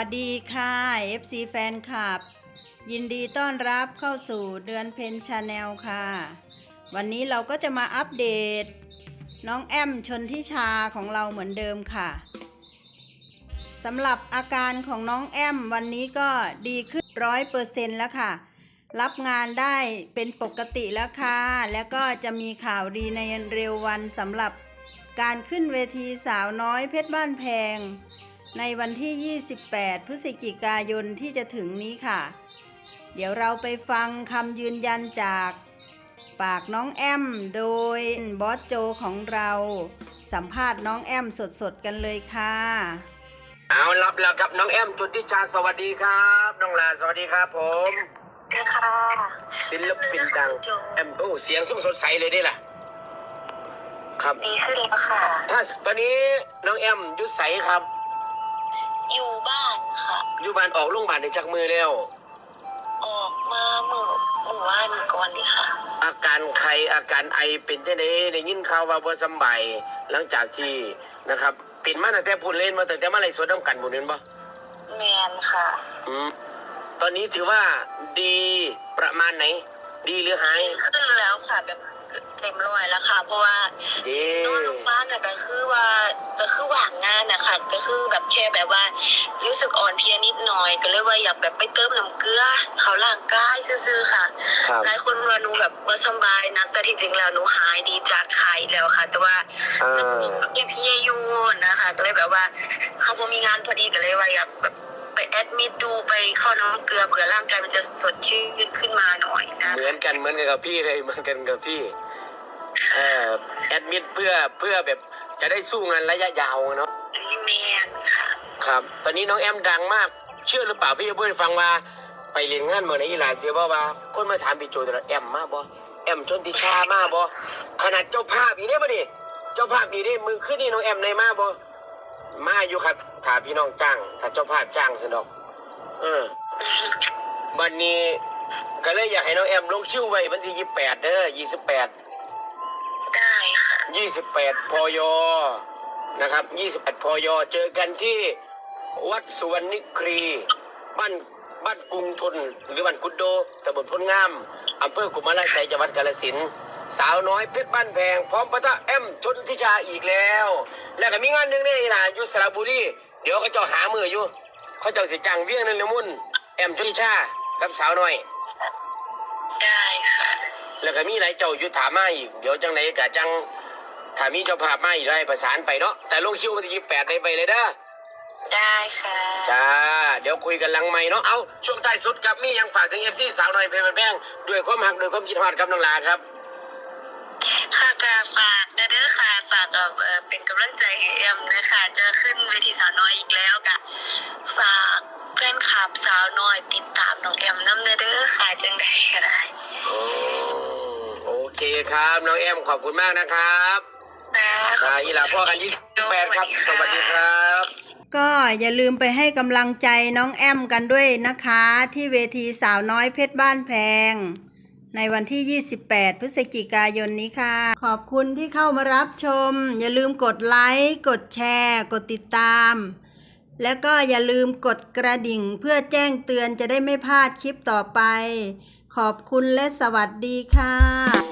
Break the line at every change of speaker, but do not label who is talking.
วัสดีค่ะ FC แฟนคลับยินดีต้อนรับเข้าสู่เดือนเพ็ญชาแนลค่ะวันนี้เราก็จะมาอัปเดตน้องแอมชนทิชาของเราเหมือนเดิมค่ะสำหรับอาการของน้องแอมวันนี้ก็ดีขึ้น100%แล้วค่ะรับงานได้เป็นปกติแล้วค่ะแล้วก็จะมีข่าวดีในเร็ววันสำหรับการขึ้นเวทีสาวน้อยเพชรบ้านแพงในวันที่ 28 พฤศจิกายนที่จะถึงนี้ค่ะเดี๋ยวเราไปฟังคำยืนยันจากปากน้องแอมโดยบอสโจของเราสัมภาษณ์น้องแอมสดๆกันเลยค่ะ
เอารับแล้วครับน้องแอมจุติชาสวัสดีครับน้องลาสวัสดีครับผม
ค่ะ
ศิลปินดังแอมโอ้เสียงสดใสเลยนี่แหละครับ
ดีขึ้นแล้วค่ะ
ถ้าตอนนี้น้องแอมยุดใสครับ
อยู่บ้านค่ะ
อยู่บ้านออกโรงพยาบาลในจักมือแล้ว
ออกมาเมื่อวานก่อนนี่ค่ะ
อาการไข้อาการไอเป็นจังได๋ได้ยินข่าวว่าบ่สบายหลังจากที่นะครับเป็นมาตั้งแต่พูดเล่นมาตั้งแต่มาไลฟ์สดนำกันบ่นั่นบ่
แม่นค่ะ
ตอนนี้ถือว่าดีประมาณไหนดีหรือหาย
ขึ้นแล้วค่ะแบบเต็มร้อยแล้วค่ะเพราะว่านอนโรงพยาบาลน่ะก็คือว่างงานน่ะค่ะก็คือแบบแค่แบบว่ารู้สึกอ่อนเพลียนิดหน่อยก็เลยว่าอยากแบบไปเติมน้ำเกลือเขาร่างกายซื่อๆค่ะหลายคนว่าหนูแบบบ่สบายนะแต่ที่จริงแล้วหนูหายดีจากไข้แล้วค่ะแต่ว่ายังเพลียอยู่นะคะก็เลยแบบว่าเขาบ่มีงานพอดีก็เลยว่าอยากแบบไปแอดมิดดูไปเข้าน้ำเกลือเผื่อร่างกายมันจะสดชื่นขึ้นมาหน่อยนะ
เหมือนกันกับพี่เลยเหมือนกันกับพี่แอดมิดเพื่อแบบจะได้สู้งานระยะยาวเนาะ
แม่นค่ะ
ครับตอนนี้น้องแอมดังมากเชื่อหรือเปล่าพี่จะพูดให้ฟังว่าไปเรียนงานเมื่อไหร่อีหลาเสียบ่ว่าคนมาถามพี่โจแต่ละแอมมาบ่แอมชนทิชามาบ่ขนาดเจ้าภาพอีนี่บ่ดิเจ้าภาพอีนี่มือขึ้นนี่น้องแอมในมาบ่มาอยู่ครับถ้าพี่น้องจ้างถ้าเจ้าภาพจ้างสนอกวันนี้ก็เลยอยากให้น้องแอมลงคิวไว้วันที่28เด้อ28
ได้ค่ะ
28 พยนะครับ28 พยเจอกันที่วัดสุวรรณนิครีบ้านกรุงทนหรือบ้านกุดโดตำบลพลงามอำเภอกุมาราไสยจังหวัดกาฬสินธุ์สาวน้อยเพชรบ้านแพงพร้อมปะทะแอมชนทิชาอีกแล้วแล้วก็มีงานหนึ่งนี่นะอยู่สระบุรีเดี๋ยวเขาจะหามืออยู่เขาจะสิจังเวียงนั่นละมุ่นแอมชนทิชากับสาวน้อย
ได้ค่ะ
แล้วก็มีหลายเจ้าอยู่ถามมาอีกเดี๋ยวจังไหนกะจังถ้ามีเจ้าภาพมาอีกได้ประสานไปเนาะแต่ลงคิววันที่28ได้ไปเลยเด้อ
ได้ค่ะ
จ้าเดี๋ยวคุยกันหลังใหม่เนาะเอาช่วงท้ายสุดกับมียังฝากถึง FC สาวน้อยเพชรบ้านแพงด้วยความหักด้วยความคิดฮอดครับน้องลาครับ
ค่ะก็ฝากเด้อค่ะฝากเป็นกำลังใจให้แอมนะคะจะขึ้นเวทีสาวน้อยอีกแล้วก็ฝากเพื่อนขับสาวน้อยติดตามน้องแอมน้ำเด้อค่ะจังได้ก็ได้
โอเคครับน้องแอมขอบคุณมากนะครับอีหล่าพ่อกัน28ครับสวัสดีครับ
ก็อย่าลืมไปให้กำลังใจน้องแอมกันด้วยนะคะที่เวทีสาวน้อยเพชรบ้านแพงในวันที่ 28 พฤศจิกายนนี้ค่ะขอบคุณที่เข้ามารับชมอย่าลืมกดไลค์กดแชร์กดติดตามแล้วก็อย่าลืมกดกระดิ่งเพื่อแจ้งเตือนจะได้ไม่พลาดคลิปต่อไปขอบคุณและสวัสดีค่ะ